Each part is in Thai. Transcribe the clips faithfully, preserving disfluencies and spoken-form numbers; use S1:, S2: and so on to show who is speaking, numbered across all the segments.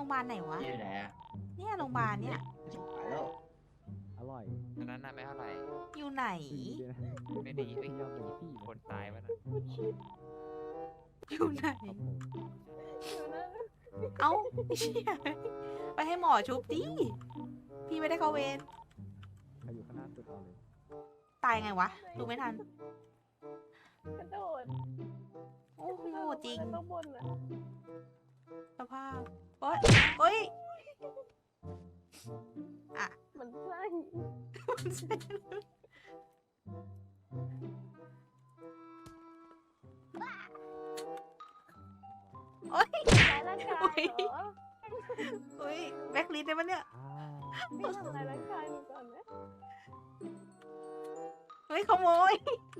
S1: รงพยาบาลไหนวะ
S2: อยู่ไหนอะ
S1: เนี่ยโรงพยาบาลเนี่ย
S2: ไปแล้ว
S3: อร่อย
S4: อันนั้นน่ะไม่เท่าไหร่
S1: อยู่ไหน
S3: ดีด้วยนะ
S4: ไม่ดีเอ้ย
S3: ยอมเป็นพี่
S4: คนตายไปนะ
S1: อยู่ไหน
S3: ครับผม
S1: เอ้าเชี่ยไปให้หมอชุบดิพี่ไม่ได้เข้าเวร
S3: ใครอยู่ข้างหน้าสุดเอาเลย
S1: ตายไงวะดูไม่ทัน
S5: กระโดด
S1: โอ้โหจริง
S5: ต้องบนอ่ะ
S1: สภาพโอ๊ยโอ๊ยอ่ะ
S5: มันใช่
S1: โอ๊ย
S5: ทำร้ายร่างกายเหรอ
S1: โอ๊ยแบ็คลิสได้ปะเนี่ย
S3: อ่า
S5: ไม่ทำร้ายร่างกายหนูก่อนนะ
S1: เฮ้ยขโมย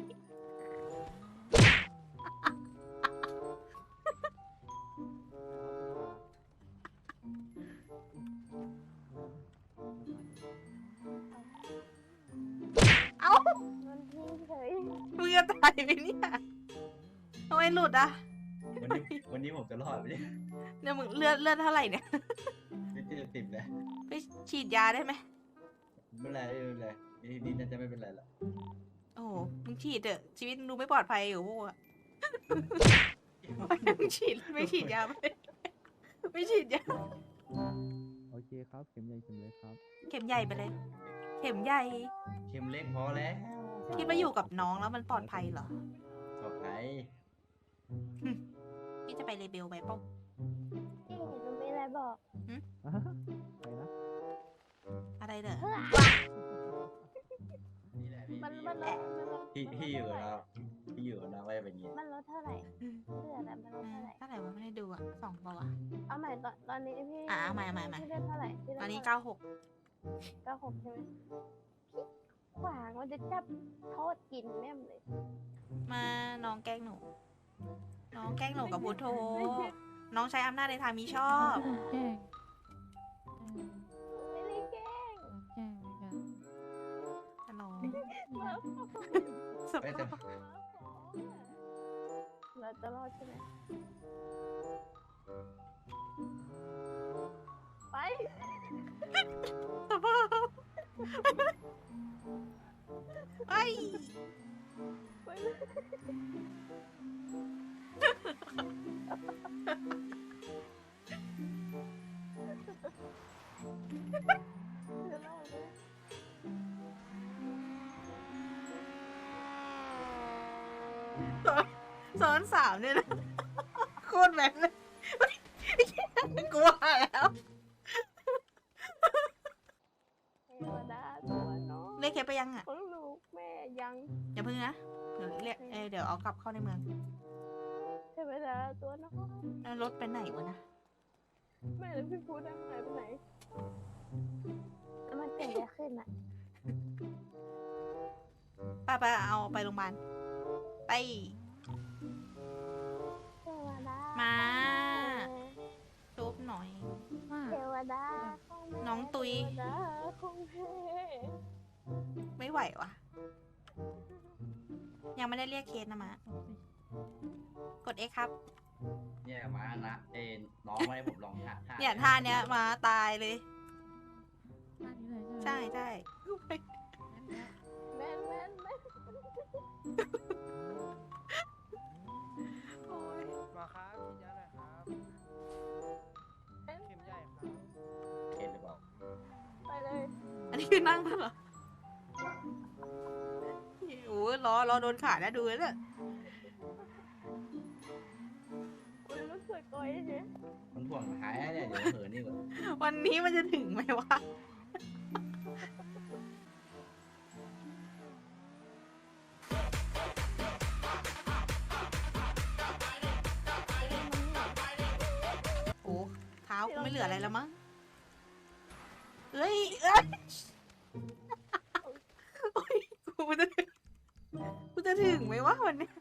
S1: เอ้า
S5: มันทิ้งเฉย
S1: มึงจะตายไหมเนี่ยทำไมหลุดอ่ะ
S2: วันนี้วันนี้ผมจะรอดไหมเนี่ย
S1: เนี่ยมึงเลือดเลือดเท่าไหร่เนี่ย
S2: ไม่เจอติดเลย
S1: ไปฉีดยาได้ไหม
S2: ไม่เป็นไรไม่เป็นไรนี่นี่น่าจะไม่เป็นไรละ
S1: โอ้โหมึงฉีดเถอะชีวิตมึงดูไม่ปลอดภัยอยู่พวกอะมึงฉีดไม่ฉีดยาไม่ไม่ฉีดยา
S3: โอเคครับ เข็มใหญ่เข็มเล็กครับ
S1: เข็มใหญ่ไปเลย เข็มใหญ่
S2: เข็มเล็กพอแล้ว
S1: คิดว่าอยู่กับน้องแล้วมันปลอดภัยเหรอ
S2: ต่อไป
S1: พี่จะไปเลเบลไหมป้อง
S5: พี่หนูมีอะไรบอก
S3: อ่าไปนะ
S1: อะไรเด้อ
S2: นี่แหละพี่
S5: มัน
S2: พี่
S5: มันลดมันลด
S2: พี่พี่อยู่กับเราพี่อยู่กับเราก็จะเป็นอย่างนี้
S5: มันลดเท่าไหร่เลือดอะมันลดเท่าไหร่
S1: เท่าไหร่วะไม่ได้ดูอ่ะสองเปล่าวะ
S5: เอาใหม่ตอนตอนนี้พี่
S1: อ่ะเอาใหม่เอาใหม่เอาใหม่
S5: พี่เลือดเท่าไหร่พี่ลืด
S1: ตอนนี้
S5: ท่ไหร่
S1: เก้าหก
S5: เก้าหกใช่ไหมพี่ขวางมันจะจับโทษกินแม่มเลย
S1: มาน้องแกล้งหนู น้องแกล้งหนูกับพุทโธน้องใช้อำนาจในทางมิชอบ
S6: แกล้ง
S5: ไม่ได้แกล้ง
S6: แกล้งเหมือนกัน
S1: ฮัลโหล
S5: มาขอ
S1: ส
S2: ไม่
S1: ภา
S2: แต่
S1: พ
S5: เราจะรอดใช่ไหมไป
S1: สภาพไอ้ย
S5: ไปเลย จะรอดไหม
S1: ซ้อนสามเนี่ยนะโคตรแบกเลยกลัวแล้ว
S5: เทวดาตัวน้อง
S1: เรียกเคสไปยังอ่ะ
S5: ของลูกแม่ยัง
S1: อย่าพึ่งนะเดี๋ยวเรียกเอยเดี๋ยวเอากลับเข้าในเมือง
S5: เทวดาตัวน้อง
S1: แล้วรถไปไหนวะนะ
S5: แม่แล้วพี่พูดได้หายไปไหนแล้วมันเกิดอะไรขึ้นอ่ะ
S1: ไปไปเอาไปโรงพยาบาลไป
S5: เทวดา
S1: มา
S5: แม่
S1: จุบหน่อย
S6: ว่า
S5: เทวดาของแม่
S1: น้องตุย
S5: เทวดาของแม่
S1: ไม่ไหววะยังไม่ได้เรียกเคสนะมากด X ครับ
S2: เนี่ยมานะเอ็นน้องไม่ให้ผมลองท่าท่า
S1: เนี่ยท่าเนี้ยมาตายเลย
S6: ท่านี้เลยใช่ไหม
S1: ใช่ใช่
S5: แม่นแม่นแม่น
S1: โอ้ย
S7: หมอครับฉีดยาหน่อยครับ
S5: แม่น
S7: เข็มใหญ่ครับ
S2: เห็นหรือเปล่า
S5: ไปเลย
S1: อันนี้คือนั่งแล้วเหรอโอ้ยล้อล้อโดนขาดแล้วดูแล้วเนี่ย
S5: อุ้ยรู้สึกก้อยเนี่ย
S2: มันห่วงหายเนี่ยเดี๋ยวเหินนี่ก่อน
S1: วันนี้มันจะถึงไหมวะ โอ้เท้ากูไม่เหลืออะไรแล้วมั้งเอ้ยเอ้ยโอ้ยกูจะถึงกูจะถึงไหมวะวันนี้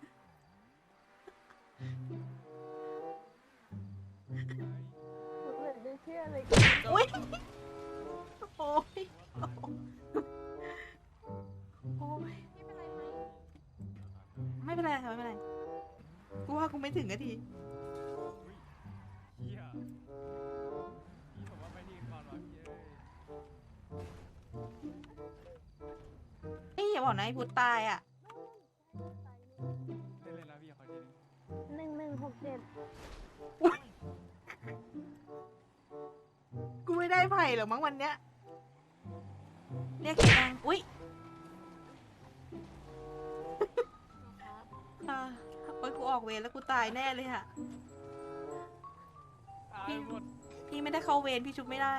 S5: หนูเหลือจะเชื่อเลย
S1: โอ้ยโอ้ยโอ้ยไม่เป็นไรค่ะไม่เป็นไรกูว่ากูไม่ถึงนาที
S7: เฮีย
S1: บอกนะไอ้พุทธตายอ่ะ
S7: เล่นเลยนะพี่ขอทีนึง
S5: หนึ่งหนึ่งหกเจ็ด
S1: กูไม่ได้ไผ่หรอกมั้งวันเนี้ยเรียกเคดังอุ้ยอ่าโอ้ยกูออกเวรแล้วกูตายแน่เลยอะ
S7: ตายหมด
S1: พี่ไม่ได้เข้าเวรพี่ชุบไม่ได้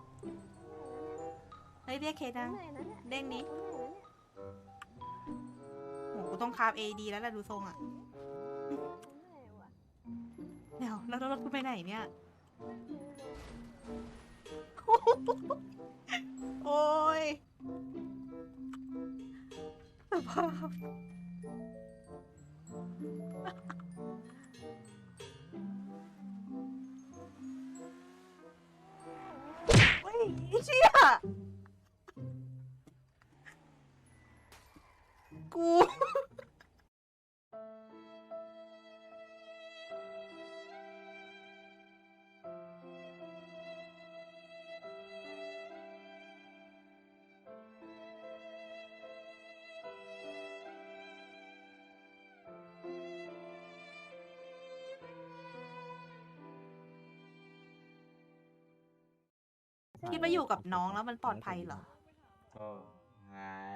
S1: เฮ้ยเรียกเคดัง
S5: เหนื่อยนะเนี่ย
S1: เด้งนี้
S5: เหนื่อยนะเนี่ย
S1: โหกูต้องคาบเอดีแล้วแหละดูทรงอะ
S5: เหนื่อยว่ะ
S1: เดี๋ยวแล้วรถกูไปไหนเนี่ย โอ้ยสภาพเฮ้ยไอ้เชี่ยกู คิดว่าอยู่กับน้องแล้วมันปลอดภัยเหรอ
S2: โอ้หาย